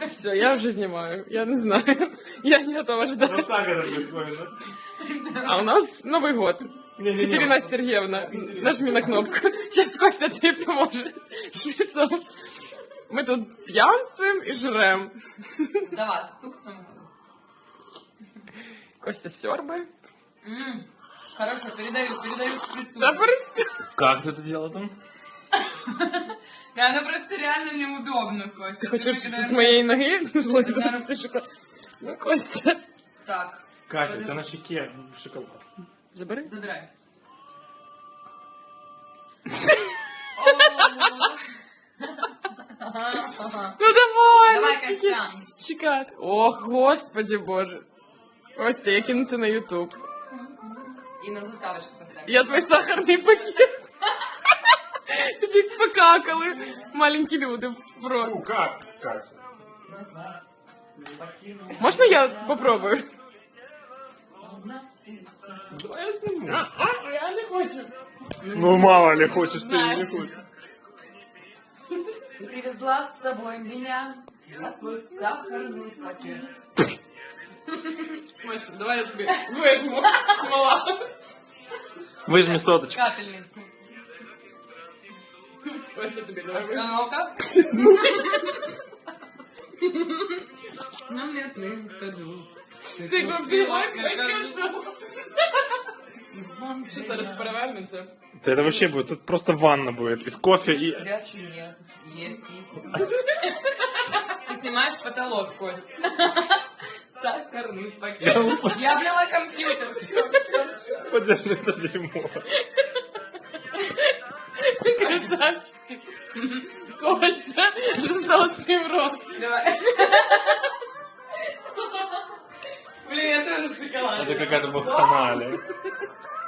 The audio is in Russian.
Все, я вже знімаю. Я не знаю. Я не готова ждать. Вот так это происходит, да? А у нас Новый год. Не-не-не. Екатерина Сергеевна, нажми на кнопку. Сейчас Костя тебе поможет шприцом. Мы тут пьянствуем и жрем. За вас, цук с Новым годом. Костя сёрбай. Хорошо, передаю шприцу. Да просто. Как ты это делал там? Да, она просто реально неудобно, Костя. Ты хочешь когда- с моей ноги Да. слазить шоколад? Ну, Костя. Так, Катя, у тебя на щеке шоколад. Забери. забирай. Ну давай, Давай, ну скільки Костян. чекати. Ох, господи боже. Костя, я кину це на Ютуб. И на заставочку поставим. Я твій сахарний пакет. Тобі покакали маленькі люди в рот. Ну как, Катя? Можна я попробую? Давай я сниму. Я не хочу. Ну мало ли, хочешь ты или не Знаешь. хочешь. Ты привезла с собой меня на твой сахарный пакет. Смачно, давай я тобі вижму. Мала. Выжми соточку. Капельницу. Костя тобі давай вижму. А ну-ка. На метлым ходу. Ти купила пакет. Що зараз перевернеться? Да это вообще будет, тут просто ванна будет из кофе и... Горячий нет. Есть. Ты снимаешь потолок, Кость. Сахарный пакет. Я облила компьютер. Всё. Подержи это дерьмо. Красавчик. Костя, що стало з твоїм ротом? Давай. Блин, я тоже шоколад. Это какая-то баханалия.